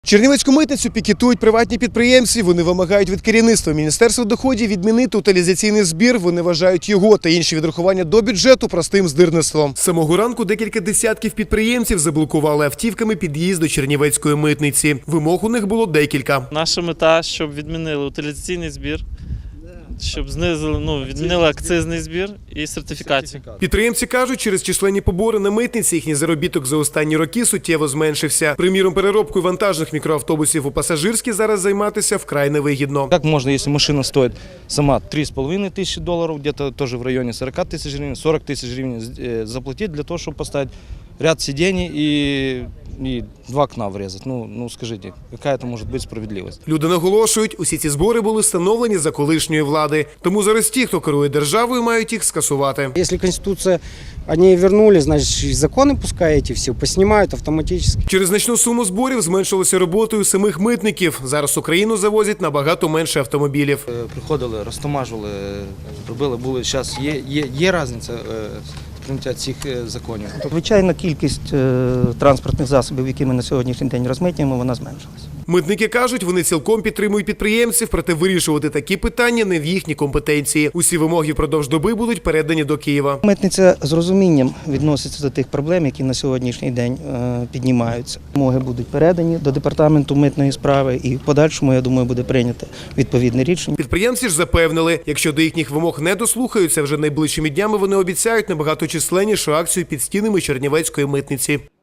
Чернівецьку митницю пікетують приватні підприємці. Вони вимагають від керівництва Міністерства доходів відмінити утилізаційний збір. Вони вважають його та інші відрахування до бюджету простим здирництвом. З самого ранку декілька десятків підприємців заблокували автівками під'їзд до Чернівецької митниці. Вимог у них було декілька. Наша мета, щоб відмінили утилізаційний збір, щоб знизили, відмінили акцизний збір і сертифікацію. Підприємці кажуть, через численні побори на митниці їхній заробіток за останні роки суттєво зменшився. Приміром, переробкою вантажних мікроавтобусів у пасажирські зараз займатися вкрай невигідно. Как можно, если машина стоит сама $3,5 тысячи, где-то тоже в районе 40 тысяч гривен, 40 тысяч гривен заплатить для того, чтобы поставить ряд сидений и 2 окна врезать. Ну скажите, какая это может быть справедливость? Люди наголошують, усі ці збори були встановлені за колишньої влади. Тому зараз ті, хто керує державою, мають їх скасувати. Если Конституция, они вернули, значит, и законы пускай эти все поснимают автоматически. Через значну суму зборів зменшилося роботою самих митників. Зараз Україну завозять набагато менше автомобілів. Приходили, розтамажували, робили, були. Зараз є різниця прийняття цих законів. Звичайно, кількість транспортних засобів, які ми на сьогоднішній день розмитнюємо, вона зменшилась. Митники кажуть, вони цілком підтримують підприємців, проте вирішувати такі питання не в їхній компетенції. Усі вимоги впродовж доби будуть передані до Києва. Митниця з розумінням відноситься до тих проблем, які на сьогоднішній день піднімаються. Вимоги будуть передані до департаменту митної справи і в подальшому, я думаю, буде прийнято відповідне рішення. Підприємці ж запевнили, якщо до їхніх вимог не дослухаються, вже найближчими днями вони обіцяють набагато численнішу акцію під стінами Чернівецької митниці.